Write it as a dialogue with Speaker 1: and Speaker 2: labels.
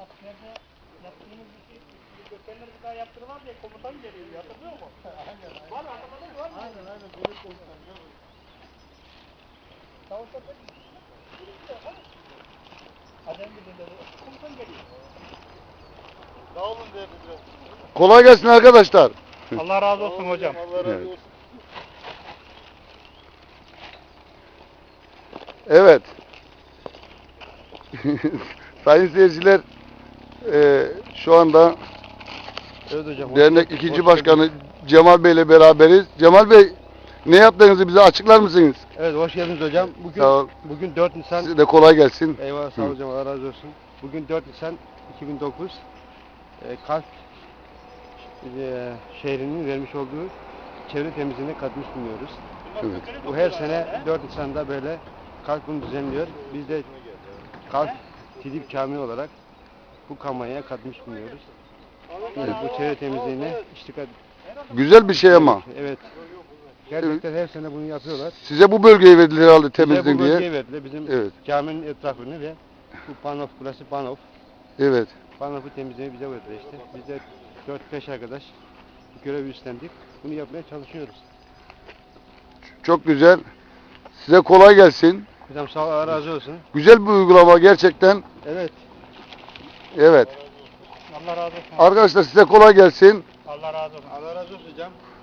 Speaker 1: askerde yaptığımız işi gökdelenleri bir daha yaptırmam diye komutan geliyor. Hatırlıyor musun?
Speaker 2: Aynen.
Speaker 1: Var mı? Hatırladın mı? Var mı?
Speaker 2: Aynen. Bölük komutanı.
Speaker 1: Savaşta pek birisi yok ha? Adem birinde de komutan geliyor.
Speaker 2: Sağ olun diye biraz.
Speaker 3: Kolay gelsin arkadaşlar.
Speaker 1: Allah razı olsun hocam.
Speaker 2: Allah razı
Speaker 3: Evet.
Speaker 2: olsun.
Speaker 3: Evet. Sayın seyirciler, şu anda
Speaker 2: Evet hocam.
Speaker 3: dernek ikinci başkanı Cemal Bey ile beraberiz. Cemal Bey, ne yaptığınızı bize açıklar mısınız?
Speaker 2: Evet, hoş geldiniz hocam.
Speaker 3: Sağ ol.
Speaker 2: Bugün 4 Nisan.
Speaker 3: Size de kolay gelsin.
Speaker 2: Eyvallah, sağ ol
Speaker 3: Hı.
Speaker 2: hocam. Allah razı olsun. Bugün 4 Nisan 2009. Kalk şehrinin vermiş olduğu çevre temizliğine katmış bulunuyoruz.
Speaker 3: Evet.
Speaker 2: Bu her sene 4 Nisan'da böyle Kalk bunu düzenliyor. Biz de Kalk Tidip Camii olarak bu kampanyaya katmış bulunuyoruz. Bu çevre temizliğine iştigal.
Speaker 3: Güzel bir şey ama.
Speaker 2: Evet. Gerçekten her sene bunu yapıyorlar.
Speaker 3: Size bu bölgeyi verdiler herhalde
Speaker 2: Bize bu
Speaker 3: temizliğin diye.
Speaker 2: bölgeye verdiler. Bizim
Speaker 3: Evet.
Speaker 2: caminin etrafını ve bu panof, burası panof.
Speaker 3: Evet.
Speaker 2: Panofu temizlemeyi bize verdiler işte. Biz de 4-5 arkadaş bu görevi üstlendik. Bunu yapmaya çalışıyoruz.
Speaker 3: Çok güzel. Size kolay gelsin.
Speaker 2: Hocam sağ ol, Allah razı olsun.
Speaker 3: Güzel bir uygulama gerçekten.
Speaker 2: Evet.
Speaker 3: Evet.
Speaker 1: Allah razı olsun.
Speaker 3: Arkadaşlar size kolay gelsin.
Speaker 1: Allah razı olsun.
Speaker 2: Allah razı olsun hocam.